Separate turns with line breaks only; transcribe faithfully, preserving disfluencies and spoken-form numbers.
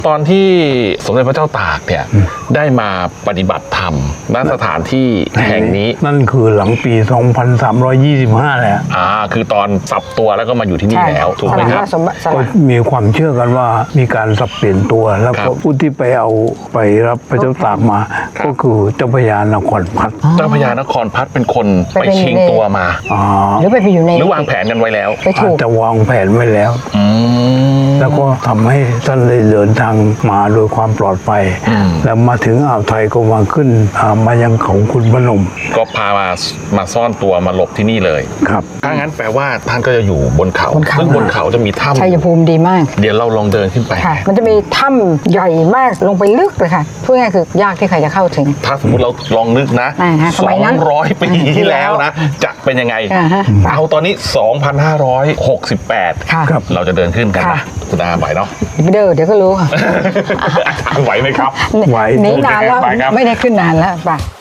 ตอนที่สมเด็จพระเจ้าตากเนี่ยได้มาปฏิบัติธรรมณสถานที่แห่งนี้
นั่นคือหลังปี สองพันสามร้อยยี่สิบห้า แหละ
อ่าคือตอนสับตัวแล้วก็มาอยู่ที่นี่แล้วถูกไหมครับ
ก็มีความเชื่อกันว่ามีการสับเปลี่ยนตัวแล้วก็ผู้ที่ไปเอาไปรับพระเจ้าตากมา ก็คือเจ้าพญานครพัฒน์
เจ้าพญานครพัฒน์เป็นคนไปชิงตัวมา
หรือไปอยู่ใน
หรือวางแผนกันไว้แล้ว
ไป
อา
ถู
จ
ก
จะวางแผนไว้แล้ว
อืม
แล้วก็ทำให้ท่านได้เดินทางมาโดยความปลอดภัย
อืม
แล้วมาถึงอ่าวไทยก็มาขึ้นอ่ามายังเขาคุณพนม
ก็พามามาซ่อนตัวมาหลบที่นี่เลย
ครับ
ถ้างั้นแปลว่าท่านก็จะอยู่บนเขา
บนเขา
ซึ่งบนเขาจะมีถ้
ชัยภูมิดีมาก
ำเดี๋ยวเราลองเดินขึ้นไป
ค่ะ มันจะมีถ้ำใหญ่มากลงไปลึกเลยค่ะพูดง่ายๆคือยากที่ใครจะเข้าถึง
ถ้าสมมติเราลองนึกนะ
อ่าฮะส
ส
มั
อย ง
นั้น
ร้อยปีที่แล้วนะ จะเป็นยังไง
อ่าฮะ
เอาตอนนี้ สองพันห้าร้อยหกสิบแปด
ค่ะ
ครับ
เราจะเดินขึ้นกัน
ค่ะ
นะคุณอาไหวเนาะ
ไปเดินเดี๋ยวก็รู้ค่ะ
ไหวไหมครับ
ไหว
หนีนานแล้ว
ไปครับ
ไม่ได้ขึ้นนานแล้วไป